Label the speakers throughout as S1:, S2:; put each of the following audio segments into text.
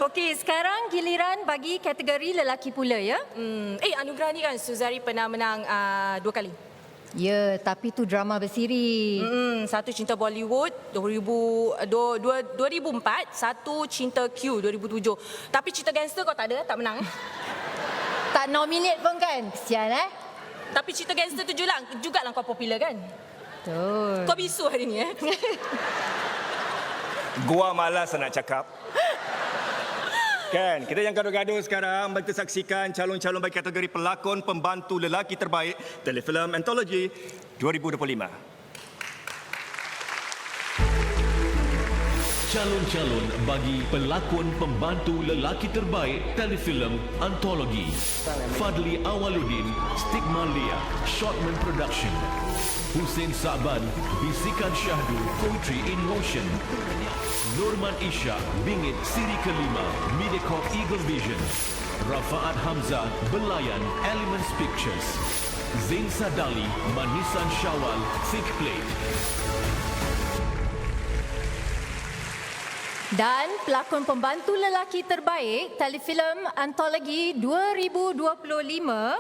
S1: Okey, sekarang giliran bagi kategori lelaki pula ya.
S2: Anugerah ni kan Suzari pernah menang 2 kali.
S1: Ya, tapi tu drama bersiri.
S2: Satu Cinta Bollywood 2004, satu Cinta Q 2007. Tapi Cinta Gangster kau tak ada, tak menang.
S1: Tak nominate pun kan? Kesian
S2: Tapi Cinta Gangster tu jugalah kau popular kan?
S1: Betul.
S2: Kau bisu hari ni
S3: Gua malas nak cakap. Kan, kita yang gaduh-gaduh sekarang, mari kita saksikan calon-calon bagi kategori pelakon pembantu lelaki terbaik telefilm Anthology 2025.
S4: Calon-calon bagi pelakon pembantu lelaki terbaik telefilm Antologi. Fadli Awaluddin, Stigmalia, Shortman Production. Hussein Sa'ban, Bisikan Syahdu, Poetry in Motion. Norman Ishak, Bingit Siri Kelima, Mediacorp Eagle Vision. Rafaat Hamzah, Belayan, Elements Pictures. Zain Sadali, Manisan Syawal, Thick Plate.
S1: Dan pelakon pembantu lelaki terbaik telefilm Antologi 2025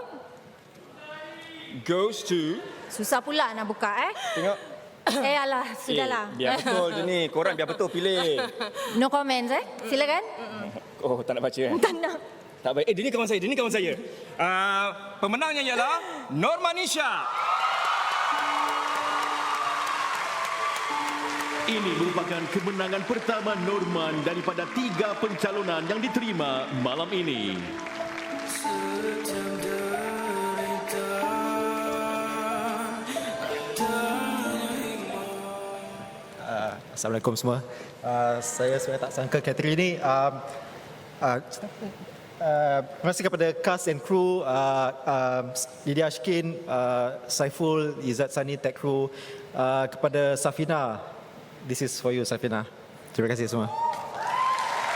S3: Goes to...
S1: susah pula nak buka
S3: Tengok.
S1: alah, sudahlah.
S3: Biar betul je ni. Korang biar betul pilih.
S1: No comments silakan.
S3: Oh, tak nak baca kan?
S1: Tak nak.
S3: Tak baik. Dia ni kawan saya. Pemenangnya ialah Norman Ishak.
S4: Ini merupakan kemenangan pertama Norman daripada 3 pencalonan yang diterima malam ini.
S5: Assalamualaikum semua. Saya sebenarnya tak sangka kategori ini. Terima kasih kepada cast and crew, Lydia Ashkin, Saiful, Izzat Sani, tech crew, kepada Safina. This is for you, Safina. Terima kasih semua.